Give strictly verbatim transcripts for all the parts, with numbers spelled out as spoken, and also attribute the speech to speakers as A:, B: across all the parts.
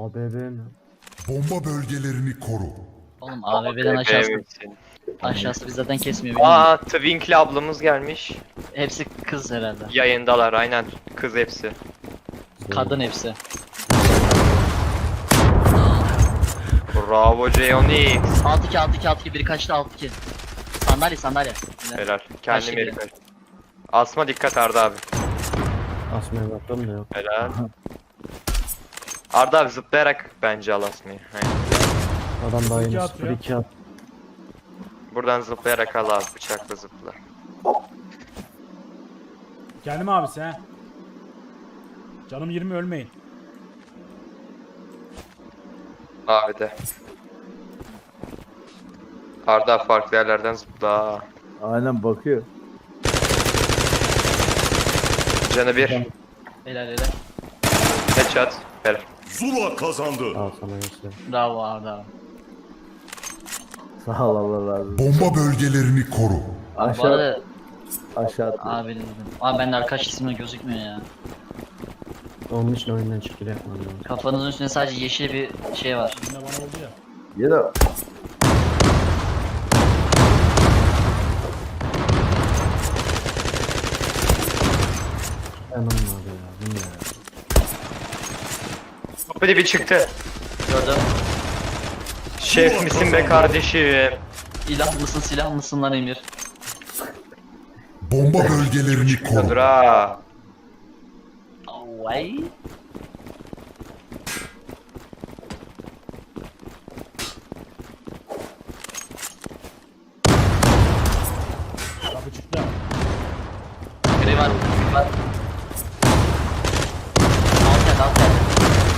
A: A B B mi?
B: Bomba bölgelerini koru.
C: Oğlum A V B'den aşağısı. Aşağısı biz zaten kesmiyor.
D: Aa, Twinkle ablamız gelmiş.
C: Hepsi kız herhalde.
D: Yayındalar aynen. Kız hepsi.
C: Kadın hepsi.
D: Bravo J-Onyx.
C: altı iki altı iki altı iki biri kaçtı altı iki. Sandalye sandalye.
D: Helal.
C: Kaç
D: Kendim
C: gibi?
D: yeri kaç. Asma dikkat Arda abi.
A: Asmaya baktım da yok.
D: Helal. Arda abi zıplayarak bence al Asma'yı. Aynen.
A: Adam daha
E: iki
A: yeni
E: atıyor.
A: sıfır iki at.
D: Buradan zıplayarak al abi, bıçakla zıpla.
E: Geldim abisi he. Canım yirmi ölmeyin.
D: Abi de. Arda farklı yerlerden zıpla.
F: Aynen bakıyor.
D: Canı bir.
C: Helal helal.
D: Headshot. Helal.
B: Zula kazandı.
A: Al sana göster.
C: Bravo Arda abi.
F: Sağ ol, Allah razı olsun.
B: Bomba bölgelerini koru.
C: Bu
F: Aşağı
C: arada
F: aşağı atıyor.
C: abi dedim. Abi bende arkadaş ismi gözükmüyor ya.
A: Onun için oyundan çıkıyor yapmam lazım.
C: Kafanızın üstünde sadece yeşil bir şey var.
E: Yine bana oldu ya.
F: Ya da
A: Anam abi ya. Bu ne ya?
D: Kapı bir çıktı.
C: Gördüm.
D: Şef misin be kardeşim?
C: İlah mısın silah mısın lan Emir?
B: Bomba bölgelerini koru.
D: Dur ha.
C: Vay.
E: Kapı çıktı.
C: Gri var. Gri var. Alt geldi alt geldi.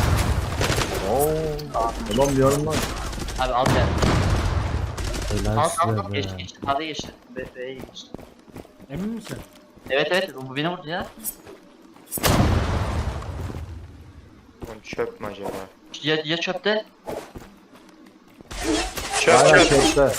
F: ooo. Tamam diyorum lan.
C: Abi alt geldi.
A: Helal
C: Alt alt
A: size
C: alt
A: be.
C: geçti geçti. Hadi geçti. B B'ye geçti.
E: Emin misin?
C: Evet evet bu beni vurdu ya.
D: Oğlum çöp mü acaba?
C: Ya, ya çöpte.
D: Çöp
F: Aynen
D: çöp.
F: çekti.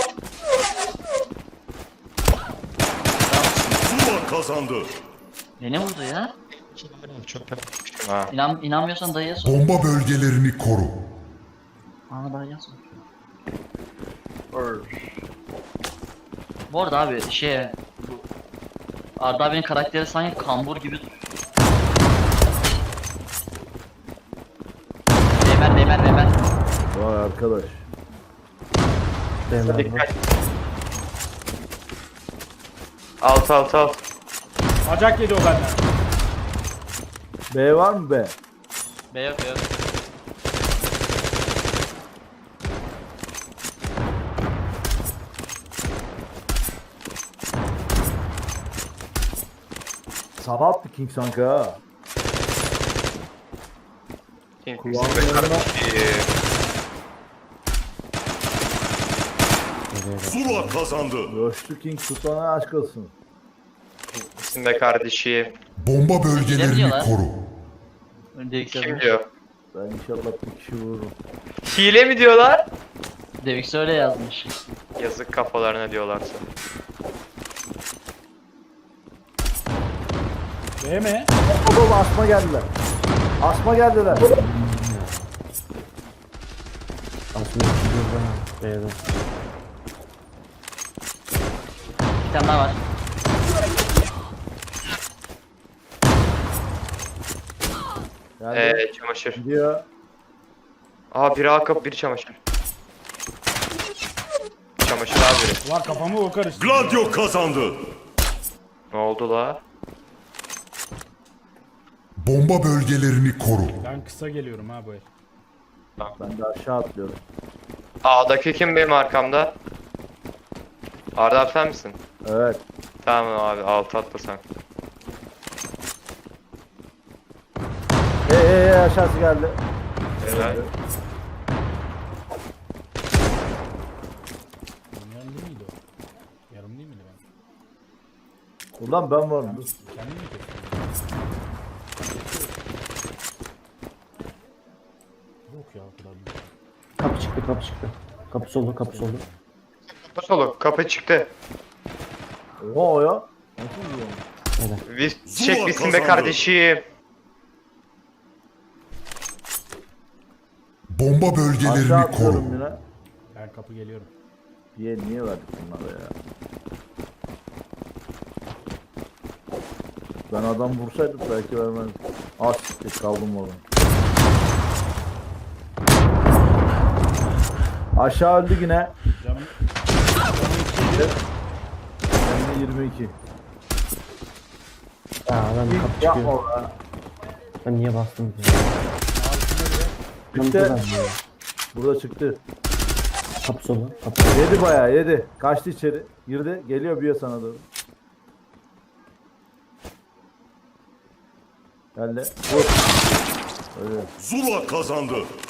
B: Zula kazandı.
C: Beni vurdu ya.
D: Ha.
C: İnan, inanmıyorsan dayıya sor.
B: Bomba bölgelerini koru.
C: Aa dayıya sor. Bu arada abi şey bu Arda abinin karakteri sanki kambur gibi dur. Beymer beymer beymer.
F: Vay arkadaş.
A: Değmez
D: Dikkat.
A: bak.
D: Alt alt alt.
E: Acak yedi o benden.
F: B var mı B?
C: B yok B yok.
F: Sabah attı King sanki ha.
D: King misin be kardeşim?
B: Zula kazandı.
F: Coştu King tutana aşk olsun.
D: Misin be kardeşim?
B: Bomba bölgelerini
C: diyorlar?
B: koru.
C: Devik
D: Kim diyor?
F: Ben inşallah bir kişi vururum.
D: Hile mi diyorlar?
C: Devik öyle yazmış.
D: Yazık kafalarına diyorlarsa.
E: B mi?
F: Oğlum asma geldiler. Asma geldiler.
A: Asmaya çıkıyor bana. B'de.
C: Bir tane daha var.
F: Yani
D: Eee çamaşır.
F: gidiyor.
D: Aha biri akıp biri çamaşır. Çamaşır abi.
E: Ulan kafamı o karıştı.
B: Gladio kazandı.
D: Ne oldu la?
B: Bomba bölgelerini koru.
E: Ben kısa geliyorum ha bu el.
F: Ben de aşağı atlıyorum.
D: A'daki kim benim arkamda? Arda abi sen misin?
F: Evet.
D: Tamam abi alt atla sen.
F: Hey hey hey aşağısı geldi.
D: Helal.
E: Yarım değil miydi o? Yarım değil miydi ben?
F: Ulan ben varım. Dur.
E: Kendim mi kestim? Yok ya o kadar değil.
A: Kapı çıktı kapı çıktı. Kapı soldu kapı soldu.
D: Kapı solu kapı çıktı.
F: Oha o ya. Nasıl vuruyor?
A: Helal.
D: Biz
B: Zula
D: çek misin be
B: kazandı.
D: kardeşim?
B: Bomba
F: Aşağı
B: bölgelerini koru.
F: atlıyorum yine.
E: Ben kapı geliyorum.
F: Niye, niye verdik bunlara ya? Ben adam vursaydım belki vermezdim. Az siktir kaldım orada. Aşağı öldü yine.
E: Canım
F: Yanına yirmi iki.
A: Ya adam kapı
F: Yapma
A: çıkıyor.
F: orada.
A: Ben niye bastım ki? Ben
F: İşte
A: buradan ya.
F: burada çıktı.
A: Kapı solu. Kapı solu.
F: Yedi bayağı yedi. Kaçtı içeri. Girdi. Geliyor bir sana doğru. Geldi. Vur. Öyle.
B: Zula kazandı.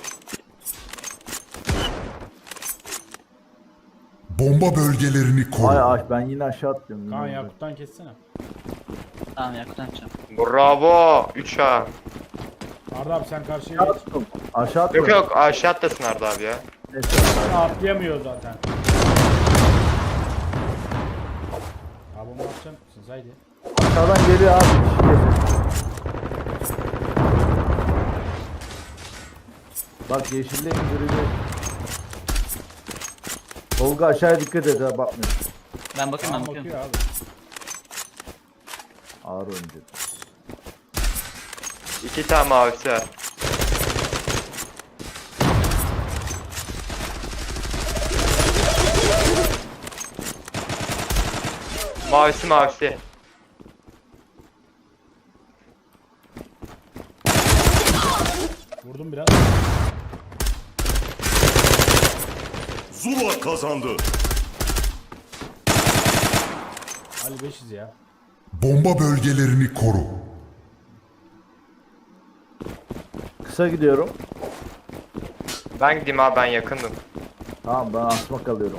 B: Bomba bölgelerini koru.
F: Ay ay ben yine aşağı atlıyorum.
E: Kaan
F: Yine
E: Yakut'tan kessene.
C: Tamam Yakut atacağım.
D: Bravo. üç A.
E: Arda abi sen karşıya
F: Aşağı
E: geç.
F: attım. Aşağı attım.
D: Yok yok aşağı atlasın Arda abi ya.
F: Neyse.
E: Atlayamıyor zaten. Abi onu atacak mısınız? Haydi.
F: Aşağıdan geliyor abi. Bir şey gelecek. Bak yeşille indirecek. Tolga aşağıya dikkat et ha bakmıyor.
C: Ben bakayım ben
E: Kaan
C: bakıyorum.
E: bakıyor abi.
F: Ağır oyuncu.
D: İki tane mavisi var. Mavisi mavisi.
E: Vurdum biraz.
B: Zula kazandı.
E: Ali beşiz ya.
B: Bomba bölgelerini koru.
F: Kısa gidiyorum.
D: Ben gideyim abi ben yakındım.
F: Tamam ben asma kalıyorum.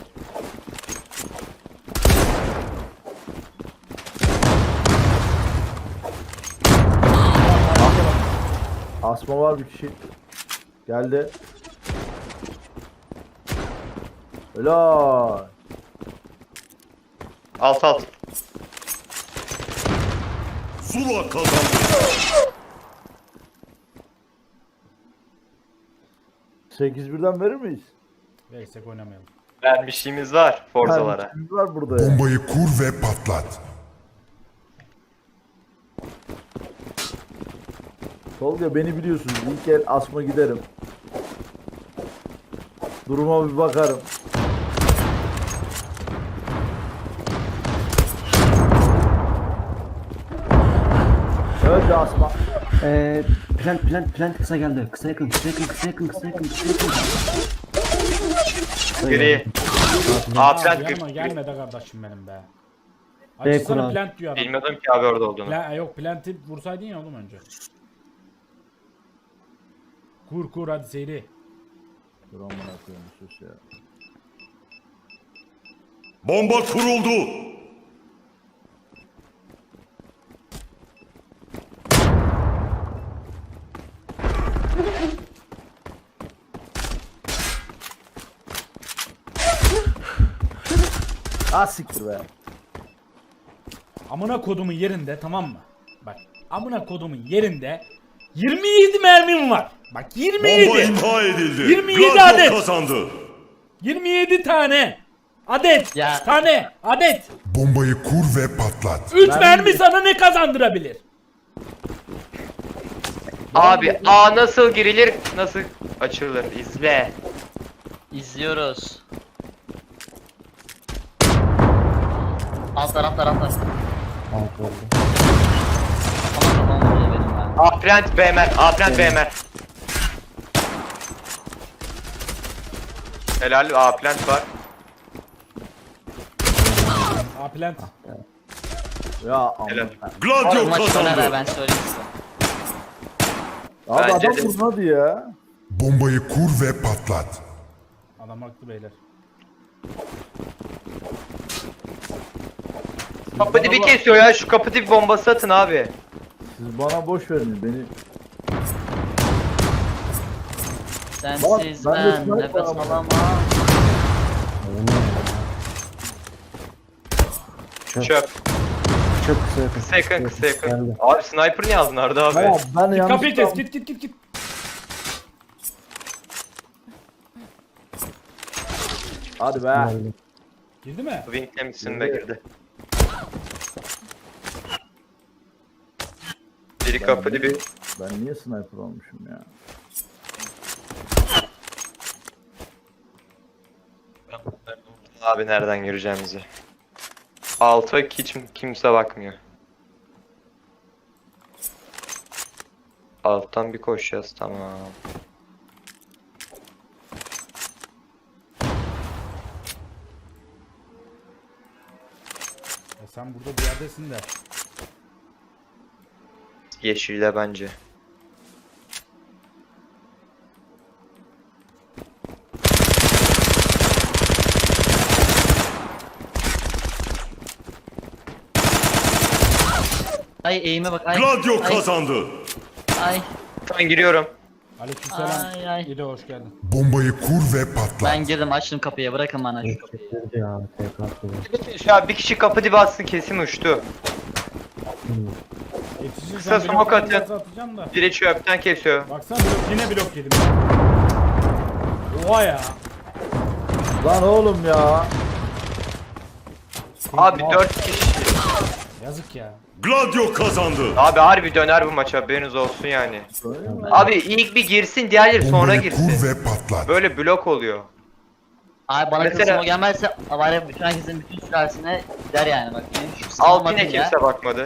F: Asma var bir kişi. Geldi. Helal.
D: Alt alt.
B: Zula kazandı.
F: sekiz birden verir miyiz?
E: Versek oynamayalım.
D: Vermişliğimiz var Forza'lara.
F: Kardeşimiz var burada ya.
B: Bombayı kur ve patlat.
F: Tolga beni biliyorsunuz. İlk el asma giderim. Duruma bir bakarım. Öldü asma.
A: Eee plant plant plant kısa geldi. Kısa yakın kısa yakın kısa yakın kısa yakın kısa yakın.
D: Gri. A
E: Abi
D: plant
E: yanıma
D: gri.
E: gelme de kardeşim benim be.
A: B
E: Açsana
A: kural.
E: plant diyor adam.
D: Bilmiyordum ki abi orada olduğunu.
E: Pla- yok plant'i vursaydın ya oğlum önce. Kur kur hadi seyri.
F: Dur amına koyayım sus ya.
B: Bomba kuruldu.
F: Ah siktir be.
E: Amına kodumun yerinde tamam mı? Bak amına kodumun yerinde yirmi yedi mermim var. Bak
B: Bomba
E: yirmi yedi.
B: imha edildi.
E: yirmi yedi
B: Gladio
E: adet.
B: kazandı.
E: yirmi yedi tane. Adet.
C: Ya.
E: Tane. Adet.
B: Bombayı kur ve patlat.
E: üç
F: Ben-
E: mermi sana ne kazandırabilir?
D: Abi A nasıl girilir nasıl açılır izle.
C: İzliyoruz. Altlar altlar altlar.
A: Alt oldu.
C: Ama kafam vuruyor benim ben.
D: A plant B mer. A plant B mer. Helal A plant var.
E: A plant.
F: Ya amına.
D: Helal.
B: Gladio
C: Bu maç sona
B: kazandı.
C: kadar ben söyleyeyim size.
F: Abi
D: Bence
F: adam
D: de.
F: vurun hadi ya.
B: Bombayı kur ve patlat.
E: Adam haklı beyler.
D: Kapı dibi kesiyor ya şu kapı dibi bombası atın abi.
F: Siz bana boş verin beni.
C: Sensiz
F: Bak, ben de
C: ben
F: sniper
C: nefes
F: ama.
C: alamam.
A: Çöp.
D: Çöp.
A: Çok kısa yakın.
D: Kısa yakın kısa yakın.
A: Geldi.
D: Abi sniper niye aldın Arda abi?
F: Ya ben yanlış
E: Kapıyı kes git git git git.
F: Hadi be.
A: Geldi.
E: Girdi mi?
D: Wing'le misin be girdi. Biri kapı dibi.
F: Ben niye sniper olmuşum ya?
D: Abi nereden gireceğimizi. Alta hiç kimse bakmıyor. Alttan bir koşacağız, tamam.
E: Ya sen burada bir yerdesin de.
D: Yeşille bence.
C: Ay eğime bak ay.
B: Gladio
C: ay,
B: kazandı.
C: Ay
D: Ben giriyorum.
E: Aleykümselam.
C: Ay, ay.
E: İdo hoş geldin.
B: Bombayı kur ve patlat.
C: ben girdim açtım kapıyı bırakın bana şu kapıyı.
A: Girdi ya. Tekrar atıyor.
D: Şu an bir kişi kapı dibi atsın, kesin uçtu.
E: Yetişirsen
D: Kısa
E: blok
D: smoke atın.
E: fazla atacağım da.
D: Biri çöpten kesiyor.
E: Baksana blok, yine blok yedim ya. Oha ya.
F: Lan oğlum ya.
D: Abi dört kişi.
E: Yazık ya.
B: Gladio kazandı.
D: Abi harbi döner bu maç, haberiniz olsun yani. Abi ilk bir girsin, diğerleri sonra
B: Bombayı
D: girsin.
B: kur ve patlat.
D: Böyle blok oluyor.
C: Abi bana
D: Mesela-
C: kısmı gelmezse var ya bütün herkesin bütün sülalesine gider yani bak. Benim şu
D: Alt
C: sınavım
D: yine
C: ya.
D: kimse bakmadı.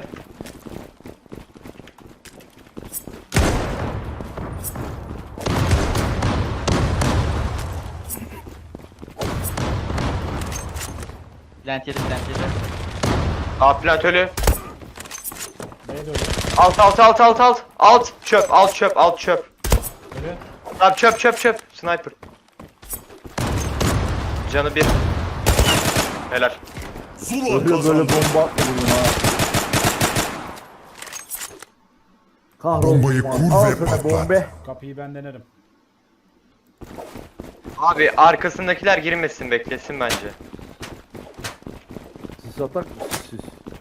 C: Plant yedi plant yedi.
D: Aa plantölü.
E: Neydi öyle?
D: Alt alt alt alt alt. Alt çöp, alt çöp, alt çöp.
E: Öyle.
D: Abi çöp çöp çöp. Sniper. Canı bir. Helal.
B: Zula
F: Böyle böyle
B: kazandı.
F: bomba atmadım ha. Kahrolsun.
B: Bombayı kur
F: Al
B: ve
F: sana
B: patlat.
F: bombe.
E: Kapıyı ben denerim.
D: Abi arkasındakiler girmesin, beklesin bence.
F: Siz atak mısınız siz?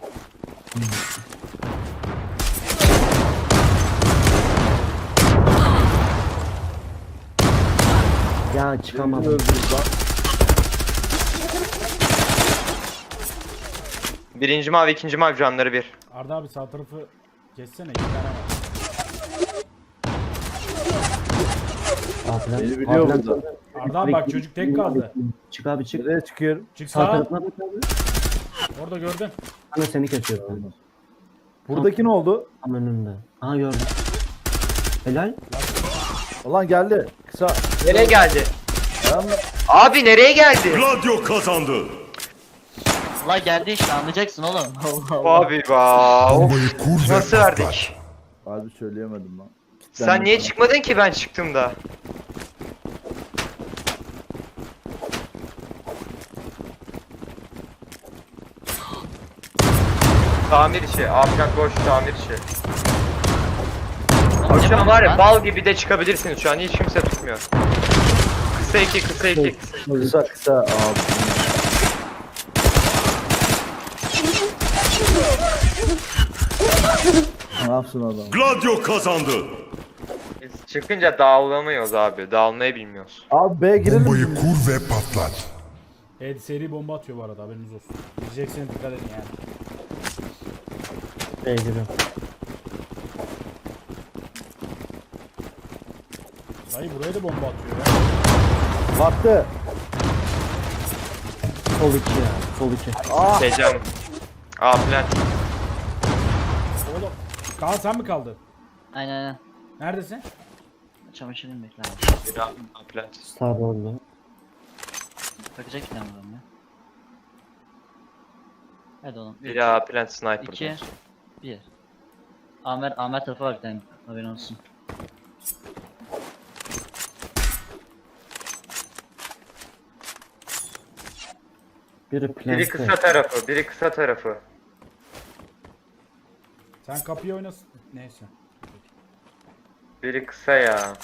A: Ya
F: Birini
A: çıkamadım.
F: öldürdü lan.
D: Birinci mavi, ikinci mavi, canları bir.
E: Arda abi sağ tarafı kessene, iki tane var.
A: Abiler,
F: Beni biliyor
A: abiler-
F: burada.
E: Arda abi bak çocuk tek kaldı.
A: Çık abi çık.
F: Nereye çıkıyorum?
E: Çık
A: Sağ
E: sağa.
A: tarafına bak abi.
E: Orada gördün.
A: Ana seni kesiyorum.
F: Buradaki ne oldu?
A: Tam önünde. Aha gördüm. Helal.
F: Ulan geldi. Kısa.
D: Nereye geldi?
F: Tamam.
D: Abi nereye geldi?
B: Gladio kazandı.
C: La geldi işte anlayacaksın oğlum. Allah Allah.
D: Abi ba. Of.
B: Bombayı kur ve
D: Nasıl
B: patlat.
D: verdik?
F: Harbi söyleyemedim lan.
D: Sen niye çıkmadın ki ben çıktığımda? Tamir işi, Afgan boş tamir işi. Abi şu an var ya bal gibi de çıkabilirsiniz, şu an hiç kimse tutmuyor. Kısa iki, kısa iki, kısa.
F: Kısa kısa abi. Ne yapsın adam?
B: Gladio kazandı.
D: Biz çıkınca dağılamıyoruz abi, dağılmayı bilmiyoruz.
F: Abi B girelim.
B: Bombayı
F: mi?
B: kur ve patlat.
E: Evet seri bomba atıyor bu arada haberiniz olsun. Gireceksiniz dikkat edin yani.
A: Beygir'im.
E: Dayı buraya da bomba atıyor ya.
F: Battı.
A: Sol iki ya. Sol iki.
F: Ah.
D: Tecem. Aa plant.
E: Oğlum. Kaan sen mi kaldın?
C: Aynen aynen.
E: Neredesin?
C: Çamaşırını bekle abi.
D: Bir daha plant.
A: Sağda oldu.
C: Bakacak bir tane buradan ya. Hadi oğlum.
D: Bir daha plant sniper.
C: iki, bir. Amer, Amer tarafı var bir tane. Haberin olsun.
A: Biri
D: Biri
A: plantte.
D: kısa tarafı, biri kısa tarafı.
E: Sen kapıyı oynasın. Neyse.
D: Biri kısa ya.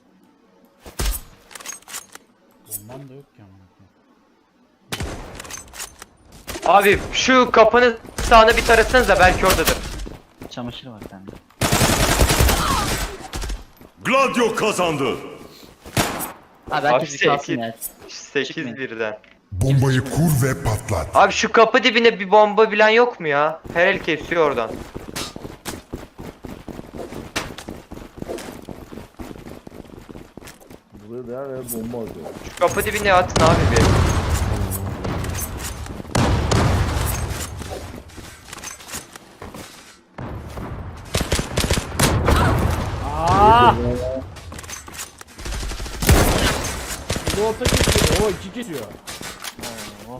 E: Bombam da yok ki ama.
D: Abi şu kapının sağına bir tarasanıza, belki oradadır.
C: Çamaşır var bir tane.
B: Gladio kazandı.
C: Abi
D: Abi
C: herkes bir kalsın
D: sekiz.
C: ya.
D: sekiz
C: Çıkmayın.
D: birden.
B: Bombayı kur ve patlat.
D: Abi şu kapı dibine bir bomba bilen yok mu ya? Her el kesiyor oradan.
F: Buraya da her yer bomba atıyor.
D: Şu kapı dibine atın abi bir.
E: Aaa! Bu orta kesiyor. O iki kesiyor. Oo.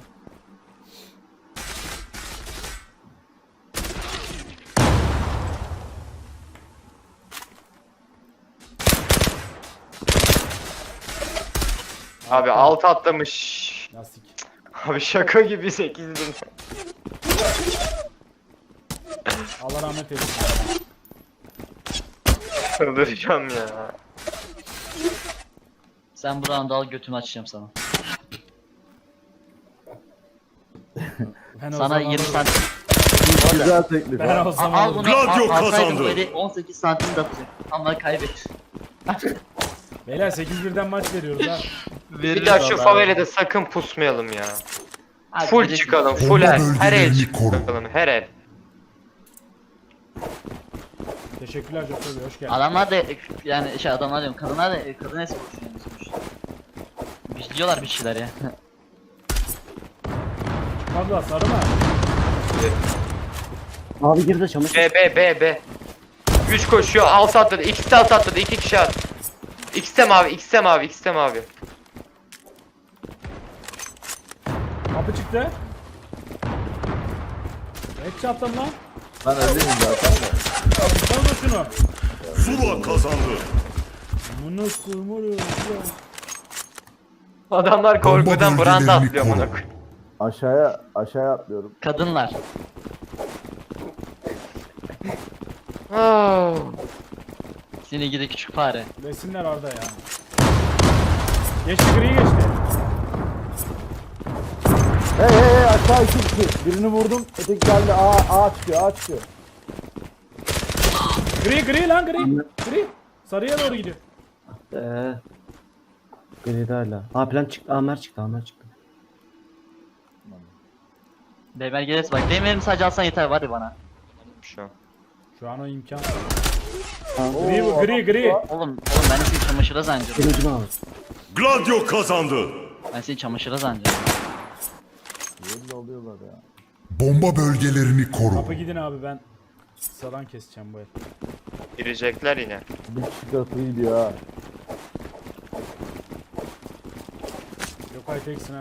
D: Abi alt atlamış.
E: Lastik.
D: Abi şaka gibi sekizdim.
E: Allah rahmet eylesin.
D: Çıldıracağım ya.
C: Sen bu round'u al, götümü açacağım sana.
E: Ben o
C: Sana
E: zaman-
C: yirmi santim.
F: Güzel teklif.
E: Ben
F: ha.
E: o
C: Al,
E: zaman
C: al bunu.
B: Gladio
C: al, alsaydın
B: kazandı.
C: böyle on sekiz santim de atacak. Ama kaybet.
E: Beyler sekiz birden maç veriyoruz ha.
D: Bir daha şu favelede sakın pusmayalım ya.
C: Abi,
D: Full
C: bilirsin.
D: çıkalım, full
B: Bomba
D: her, her el
B: bölgelerini koru.
D: çıkalım, her el.
E: Teşekkürler Joker Bey, hoş geldin.
C: Adamlar da yani şey adamlar diyorum, kadınlar da kadın espor düşünüyormuş. Biliyorlar bir şeyler ya.
E: Abla sarı mı?
A: Abi girdi çamaşır.
D: B, B, B, B. üç koşuyor, alt atladı, ikisi de alt atladı, iki kişi at. İkisi de mavi, ikisi de mavi, ikisi de mavi.
E: Kapı çıktı. Et attım lan.
F: Ben öndeyim zaten de.
E: Sonra şunu.
B: Zula kazandı.
E: Bunu kurmuyor.
D: Adamlar korkudan
B: Bomba
D: branda
B: bölgelerini
D: atlıyor
B: koru.
D: bana.
F: Aşağıya aşağıya atlıyorum.
C: Kadınlar. Seni gidi küçük fare.
E: Resimler orada ya. Geçti gri geçti.
F: Hey hey hey aşağı iki kişi. Birini vurdum. Öteki geldi. A A çıkıyor. A çıkıyor.
E: Gri gri lan gri. Gri. Sarıya doğru gidiyor.
A: Eee. Gridi hala. Ha plan çıktı. Amer çıktı. Amer çıktı.
C: Beyler gelirse bak, benim elimi sadece alsan yeter var ya bana.
D: Şu an.
E: Şu an o imkan.
F: Oo,
E: Gri bu gri
F: adam-
E: gri.
C: Oğlum, oğlum ben seni çamaşıra zannediyorum.
A: Birinci mi abi?
B: Gladio kazandı.
C: Ben seni çamaşıra zannediyorum.
F: Belli oluyorlar ya.
B: Bomba bölgelerini koru.
E: Kapı gidin abi, ben saran keseceğim bu el.
D: Girecekler yine.
F: Bir kişi kapıyı gidiyor ha.
E: Yok ay teksin ha.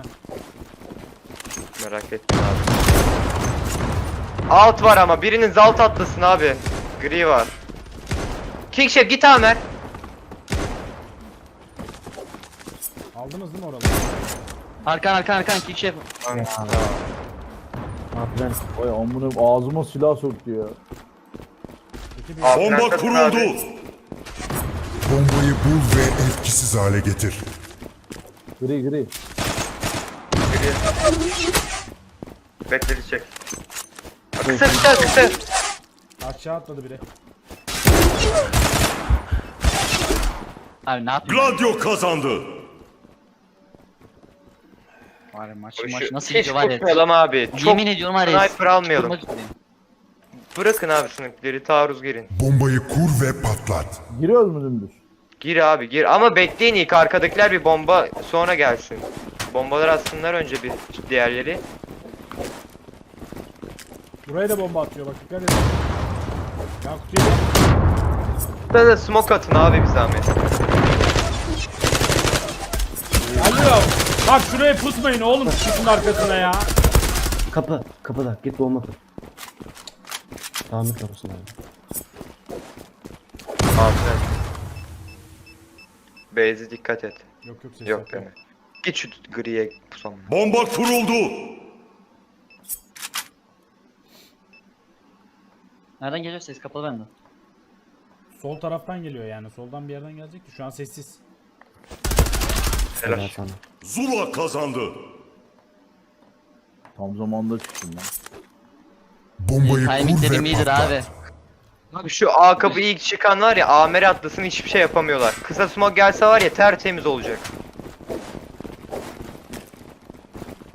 D: Merak ettim abi. Alt var ama birinin alt atlasın abi. Gri var. King Chef git Amer.
E: Aldınız değil mi oraları?
C: Arkan arkan arkan kick şey.
A: Ha plan.
F: Vay amına ağzıma silah soktu ya.
E: İki bir.
D: Abi,
B: Bomba
D: nerede
B: kuruldu.
D: abi?
B: Bombayı bul ve etkisiz hale getir.
F: Gri gri.
D: Gri. Bekledecek. Kısa kısa kısa.
E: Aşağı atladı biri.
C: Abi ne yapayım?
B: Gladio kazandı.
C: Var ya, maç
D: Şu-
C: maç nasıl
D: Hiç
C: gidiyor var ya.
D: tutmayalım abi. Çok
C: Yemin ediyorum var ya.
D: sniper almayalım.
C: tutmak üzereyim.
D: Bırakın abi sınıfları, taarruz girin.
B: Bombayı kur ve patlat.
F: Giriyoruz mu dümdüz?
D: Gir abi gir ama bekleyin ilk arkadakiler bir bomba sonra gelsin. Bombalar atsınlar önce bir diğerleri.
E: Buraya da bomba atıyor bak, dikkat edin. Ya kutuya gel.
D: Burada da smoke atın abi bir zahmet.
E: Alo. Bak şuraya pusmayın oğlum, çıkın arkasına ya.
A: Kapı. Kapıda. Git bomba kur. Tamir orası abi.
D: Aferin. Beyze dikkat et.
E: Yok yok ses
D: Yok
E: yok.
D: deme. Git şu griye pusam.
B: Bomba kuruldu.
C: Nereden geliyor ses, kapalı bende.
E: Sol taraftan geliyor yani, soldan bir yerden gelecekti. Şu an sessiz.
D: Helal.
A: Helal sana.
B: Zula kazandı.
F: Tam zamanda çıktım lan.
B: Bombayı kur
C: Timinglerim
B: ve
C: iyidir abi.
B: patlat.
D: Abi şu A kapı ilk çıkan var ya Amer'e atlasın hiçbir şey yapamıyorlar. Kısa smoke gelse var ya tertemiz olacak.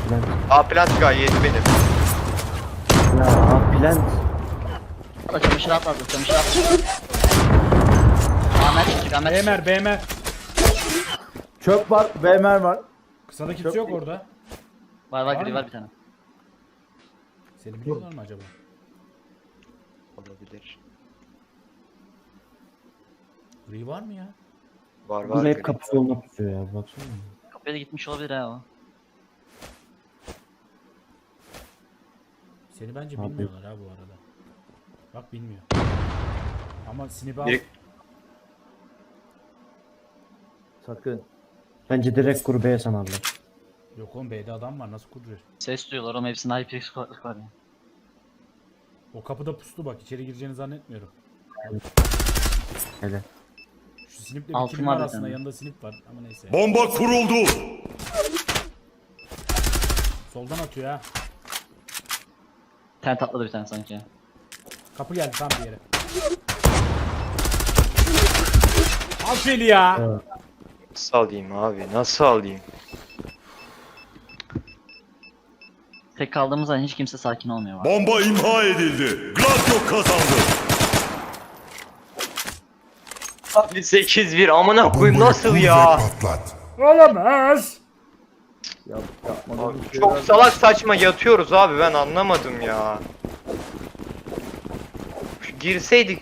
A: plant.
D: A plant gayet benim.
A: Ya A plant.
C: Atla çamaşır atla atla çamaşır atla. Ahmet çıkacak Ahmet çıkacak.
E: Beymer Beymer.
F: Çöp var. B M R var.
E: Kısada kimse yok orada.
C: Var var gri
E: mı?
C: var bir tane.
E: Seni biliyorlar mı acaba?
D: Olabilir.
E: Gri var mı ya?
D: Var var.
A: Bu hep
D: gri.
A: kapı soluna tutuyor ya baksana.
C: Kapıya da gitmiş olabilir ha o.
E: Seni bence
A: Abi.
E: bilmiyorlar ha bu arada. Bak bilmiyor. Ama Sinip'i al.
D: Biri-
F: Sakın.
A: Bence direkt grubeye sanarlar.
E: Yok oğlum B'de adam var nasıl kuruyor?
C: Ses duyuyorlar ama hepsinde HyperX kulaklık var ya.
E: O kapıda puslu bak içeri gireceğini zannetmiyorum.
A: Hele.
E: Şu Sinip'le bir
C: Altın
E: kimin
C: var bir
E: arasında
C: tane.
E: yanında Sinip var ama neyse.
B: Bomba kuruldu.
E: Soldan atıyor ha.
C: Tent atladı bir tane sanki ya.
E: Kapı geldi tam bir yere. Al Feli ya.
A: Evet.
D: Nasıl alayım abi? Nasıl alayım?
C: Tek kaldığımız an hiç kimse sakin olmuyor. Var.
B: Bomba imha edildi. Gladio kazandı.
D: Abi sekiz bir amına koyayım
B: Bombayı
D: nasıl
B: kur ve
D: ya?
B: patlat.
E: Olamaz.
F: Yap, yapmadım.
D: Abi çok salak saçma yatıyoruz abi ben anlamadım ya. Girseydik.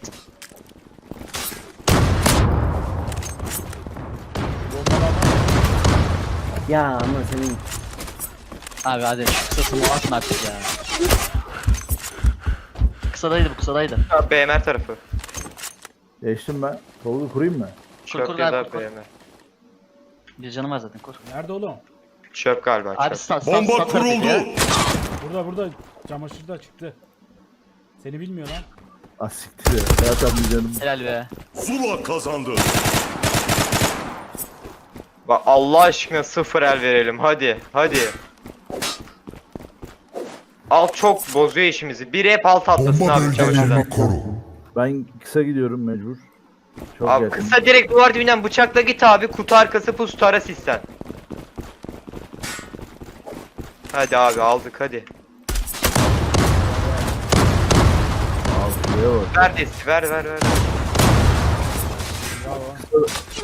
A: Ya ama senin
C: Abi hadi şu kısasını atın artık ya. Kısadaydı bu kısadaydı.
D: Ha, B M R tarafı.
F: Geçtim ben. Tolgu kurayım mı?
C: Kur kur
D: Çöp
C: galiba
D: ya
C: kur,
D: da
C: kur.
D: B M R.
C: Bir canım var zaten kur.
E: Nerede oğlum?
D: Çöp galiba
C: Abi
D: çöp.
C: stat stat
B: Bomba
C: stat tarafıydı
B: kuruldu.
C: ya.
E: Burada burada çamaşırda çıktı. Seni bilmiyor lan.
F: Ah siktir ya. Zaten bir canım.
C: Helal be.
B: Zula kazandı.
D: Bak Allah aşkına sıfır el verelim hadi hadi. Alt çok bozuyor işimizi. Biri hep alt atlasın
B: Bomba
D: abi çamaşırdan.
B: bölgelerini koru.
F: Ben kısa gidiyorum mecbur. Çok
D: Abi
F: yakın.
D: kısa direkt duvar dibinden bıçakla git abi kutu arkası pus tara sistem. Hadi abi aldık hadi.
F: Altıya bak.
D: Ver desti ver ver ver.
E: Bravo.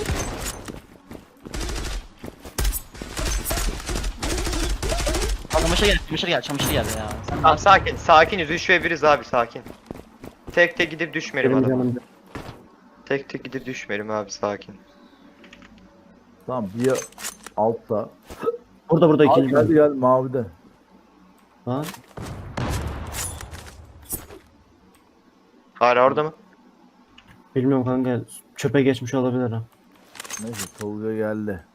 C: Çamaşır gel çamaşır gel çamaşır gel ya. Sen
D: Tamam sakin sakiniz üç ve biriz abi sakin. Tek tek gidip düşmeyelim
A: benim
D: adama.
A: canım.
D: Tek tek gidip düşmeyelim abi sakin.
F: Tamam bir altta.
A: Burada burada
F: Abi
A: ikinci
F: gel
A: bölüm.
F: gel mavide.
A: Ha?
D: Hala orada mı?
A: Bilmiyorum kanka. Çöpe geçmiş olabilir ha.
F: Neyse Tolga geldi.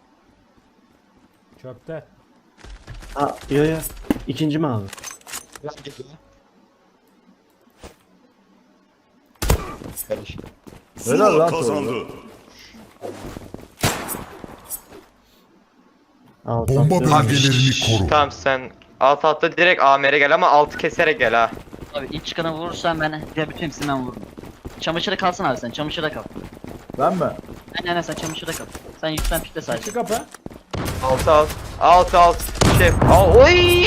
E: Çöpte.
A: Ha yo yo. İkinci mi abi?
F: Helal
B: Zula
F: lan
B: kazandı.
A: Aa,
B: Bomba
A: tamam.
B: bölgelerini koru.
D: Tamam sen alt altta direkt A M R'e gel ama altı keserek gel ha.
C: abi ilk çıkanı vurursan ben diğer bütün hepsini ben vururum. Çamaşıra kalsın abi sen çamaşıra kal.
F: Ben mi?
C: Aynen aynen sen çamaşıra kal. Sen yüklen pikle sadece.
E: Açık kapı.
D: Altı alt. Alt alt. Şef. Al oy.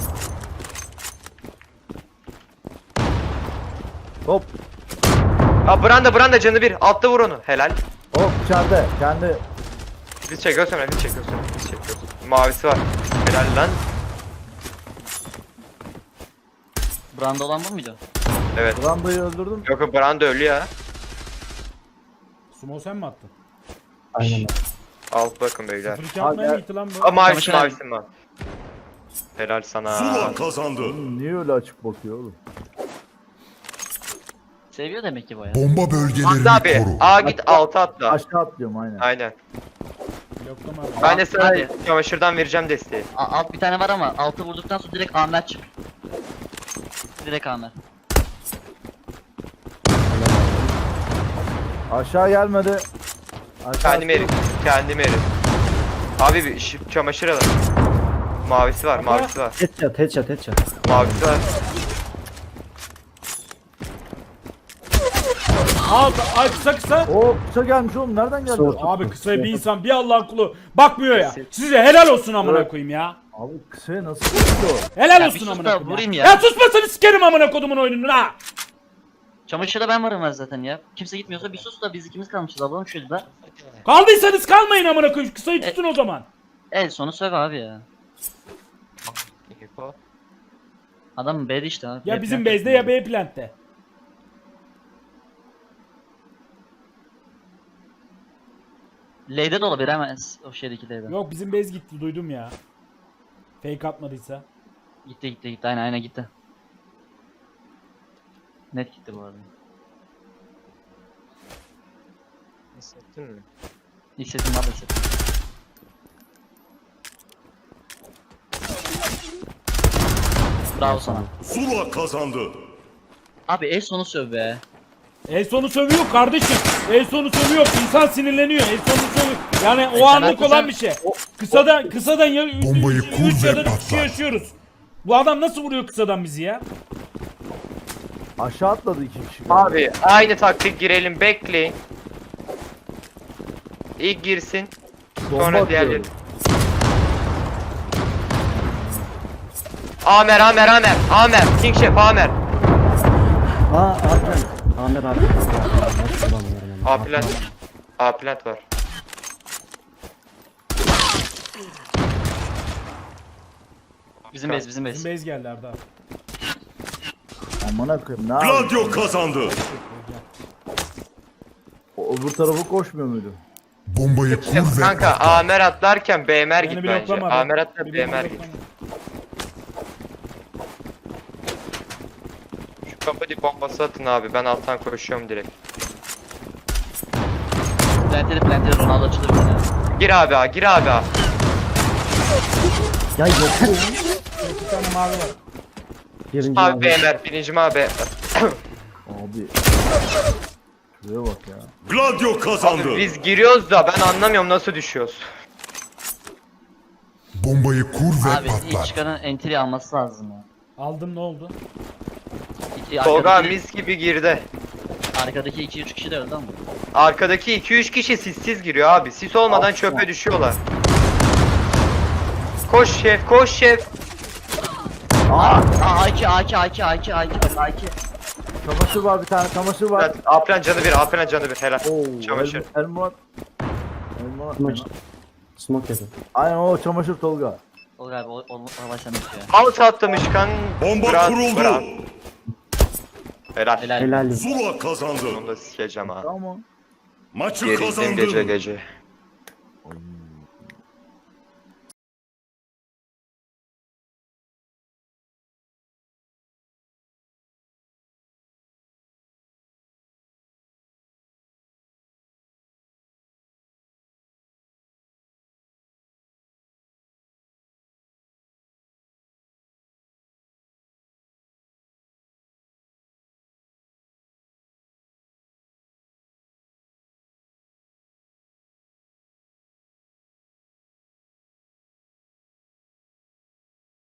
F: Hop.
D: Aa Branda Branda canı bir. Altta vur onu. Helal.
F: Hop içeride. Kendi.
D: Biz çekiyoruz sonra biz çekiyoruz sonra biz çekiyoruz. Mavisi var. Helal lan.
C: Branda olan bu muydu?
D: Evet.
F: Branda'yı öldürdüm.
D: Yok yok Branda ölü ya.
E: Sumo sen mi attın?
A: Aynen.
D: Alt bakın beyler.
E: sıfır iki atmaya
F: Abi,
E: mı gitti lan bu?
D: Aa mavisi
C: Çamaşır
D: mavisi var. Helal sana.
B: Zula kazandı.
F: Niye öyle açık bakıyor oğlum?
C: Seviyor demek ki bu ya.
B: Bomba bölgelerini
D: Atla abi.
B: koru.
D: A git alta atla.
F: Aşağı atlıyorum aynen.
D: Aynen.
E: Bloklama abi.
D: Ben de sana
C: Hadi.
D: çamaşırdan vereceğim desteği.
C: A- alt bir tane var ama altı vurduktan sonra direkt Amer çık. Direkt Amer.
F: Aşağı gelmedi. Aşağı
D: Kendim erim. Kendim erim. Abi bir şu çamaşır alın. Mavisi var, mavisi var.
A: Headshot headshot headshot.
D: Mavisi var.
E: Al, ay kısa kısa.
F: Oo kısa gelmiş oğlum. Nereden geldi?
A: Soğuk.
E: Abi kısaya bir insan bir Allah'ın kulu bakmıyor ya. Size helal olsun amına koyayım ya.
F: Abi kısaya nasıl vurdu?
E: Helal
C: Ya
E: olsun
C: bir sus
E: amına
C: da
E: koyayım.
C: vurayım
E: Ya.
C: ya.
E: ya susmasını sikerim amına kodumun oyununu ha.
C: Çamaşırda ben varım ben zaten ya. Kimse gitmiyorsa bir sus da biz ikimiz kalmışız. Alalım şöyle de.
E: Kaldıysanız kalmayın amına koyayım. Kısayı tutun o zaman.
C: El sonu söv abi ya.
D: İpo.
C: Adam B'de işte abi.
E: Ya
C: B
E: bizim
C: plant
E: base'de ya
C: yapıyor.
E: B plant'te.
C: L'de de olabilir ama o şeydeki L'de.
E: Yok bizim base gitti duydum ya. Fake atmadıysa.
C: Gitti gitti gitti aynen aynen gitti. Net gitti bu arada.
D: Hissettin mi?
C: Hissettim abi hissettim. Bravo sana.
B: Zula kazandı.
C: Abi el sonu söv be.
E: El sonu sövüyor kardeşim. El sonu sövüyor. İnsan sinirleniyor. El sonu sövüyor. Yani o
C: sen
E: anlık
C: haklısın.
E: olan bir şey. Kısadan kısadan ya üç
B: Bombayı
E: üç-
B: kur
E: üç
B: ve
E: ya da üç
B: patlat.
E: kişi yaşıyoruz. Bu adam nasıl vuruyor kısadan bizi ya?
F: Aşağı atladı iki kişi.
D: Abi aynı taktik girelim bekleyin. İlk girsin.
F: Bomba
D: Sonra diğerleri.
F: atıyorum.
D: Amer Amer Amer Amer King Chef Amer.
A: Aa A plant. Amer abi. Nasıl bulamıyorum yani.
D: A plant. A plant var.
C: Bizim base bizim
E: Bizim
C: base.
E: base geldi Arda.
F: Amına koyayım ne yapayım?
B: Gladio kazandı.
F: O öbür tarafa koşmuyor muydu?
B: Bombayı kur ve
D: Kanka
B: patlat.
D: Amer atlarken B M R
E: Beni
D: git bence.
E: bloklama.
D: Amer atla
E: Beni
D: B M R git.
E: bloklama.
D: Şu kapı dip bombası atın abi. Ben alttan koşuyorum direkt.
C: Plantede plantede Ronaldo açılır bir tane.
D: Gir abi A, gir abi A.
A: Ya yeter.
E: İki tane mavi var.
A: Birinci
D: Abi
A: abi.
D: B M R, birinci abi.
F: Abi. Şuraya bak ya.
B: Gladio kazandı.
D: Abi biz giriyoruz da ben anlamıyorum nasıl düşüyoruz.
B: Bombayı kur ve
C: Abi ilk
B: patlat.
C: çıkanın entry alması lazım ya.
E: Aldım ne oldu?
C: İki,
D: Tolga
C: arkadaki,
D: mis gibi girdi.
C: arkadaki iki üç kişi de öldü ama.
D: Arkadaki iki üç kişi sissiz giriyor abi. Sis olmadan çöpe düşüyorlar. Koş şef, koş şef.
C: Aa, A iki A iki A iki A iki A iki bak A iki.
F: Çamaşır var bir tane çamaşır var.
D: Evet, Apren canı bir, Apren canı bir. Helal.
F: Oo,
D: Çamaşır.
F: El, El Murat. El Murat.
A: Smoke. Smoke yapıyor.
F: Aynen o çamaşır Tolga.
C: Olur abi o, o, o olay sende bitiyor.
D: Out atlamış kan.
B: Bomba
D: Bırak,
B: kuruldu.
D: bırak. Helal.
C: Helal.
A: Helal.
B: Zula kazandı.
D: Onu da sikeceğim ha.
F: Tamam.
B: Maçı
D: Gerildim
B: kazandı.
D: gece gece.
F: Oy.